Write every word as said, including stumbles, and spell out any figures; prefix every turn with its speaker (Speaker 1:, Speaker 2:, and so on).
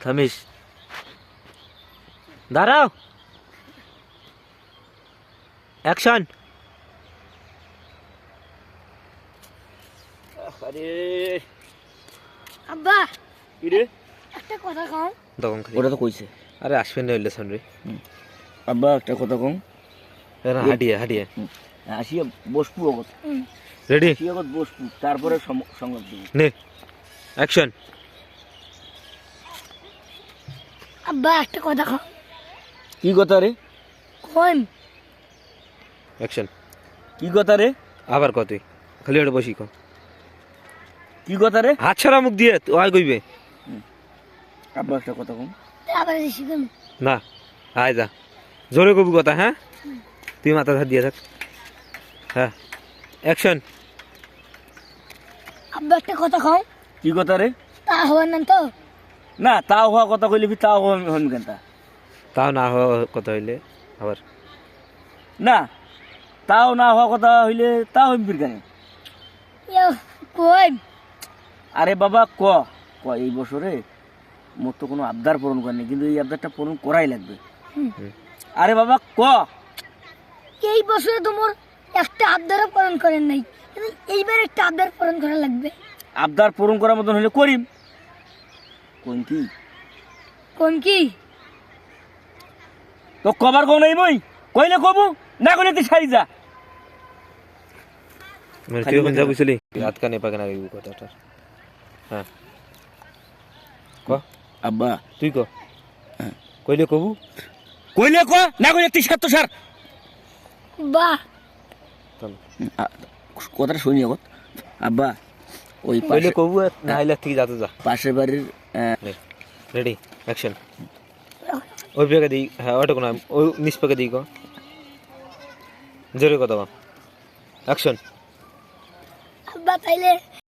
Speaker 1: থামিস দাঁড়াও অ্যাকশন আরে
Speaker 2: আব্বা
Speaker 1: কি রে
Speaker 2: একটা কথা কও
Speaker 1: তখন খালি
Speaker 3: ওটা তো কইছে
Speaker 1: আরে আসবেন না হইলে শোন রে
Speaker 3: আব্বা একটা কথা কম
Speaker 1: এরা হাডিয়ে হাডিয়ে
Speaker 3: আসিয়া বসপু অগত
Speaker 1: রেডি
Speaker 3: আসিয়া অগত বসপু তারপরে সংবাদ দিব
Speaker 1: নে অ্যাকশন
Speaker 2: আব্বা একটা কথা কও
Speaker 3: কি কথা রে
Speaker 2: কইম
Speaker 1: অ্যাকশন
Speaker 3: কি কথা রে
Speaker 1: আবার কত খালি ওটা বসি কো
Speaker 3: কি কথা রে
Speaker 1: হাত ছাড়া মুখ দিয়ে ওই কইবে
Speaker 3: আব্বা একটা কথা কম
Speaker 2: আবার শিখুন
Speaker 1: না আয় যা জোরে কবি কথা হ্যাঁ তুই মাথা ধার দিয়ে থাক হ্যাঁ অ্যাকশন
Speaker 2: আব্বা একটা কথা কও
Speaker 3: কি কথা রে
Speaker 2: তা হওয়ার না তো
Speaker 3: না তাও হওয়া কথা কইলে কি তাও হন কেন তা
Speaker 1: তাও না হওয়া কথা হইলে আবার
Speaker 3: না তাও না হওয়া কথা হইলে তাও হইবির কেন
Speaker 2: ইয়ো কইম
Speaker 3: আরে বাবা ক ক এই বছরে মোর তো কোনো আবদার পূরণ করেনি কিন্তু এই আবদারটা পূরণ করাই লাগবে আরে বাবা ক
Speaker 2: এই বছরে তোমার একটা আবদারও পূরণ করেন নাই কিন্তু এইবার একটা আবদার পূরণ করা লাগবে
Speaker 3: আবদার পূরণ করার মতন হলে করিম কোন কি
Speaker 2: কোন কি
Speaker 3: তো কবার কো নাই মই কইলে কবু না কইলে তুই সারি যা
Speaker 1: মানে তুই এখন যা বুঝলি হাত কানে পাকে না এই কথাটা হ্যাঁ ক
Speaker 3: আব্বা
Speaker 1: তুই ক কইলে কবু
Speaker 3: কইলে ক না কইলে তুই সার তো সার
Speaker 2: বাহ
Speaker 3: কথাটা শুনি আগত আব্বা ওই
Speaker 1: কইলে
Speaker 3: পাশে
Speaker 1: কবু না হইলে ঠিক যাতে যা
Speaker 3: পাশের বাড়ির
Speaker 1: রেডি অ্যাকশন ওই পেকে দিই হ্যাঁ ওটা কোনো ওই নিচ পেকে দিই ক জোরে কথা অ্যাকশন
Speaker 2: আব্বা তাইলে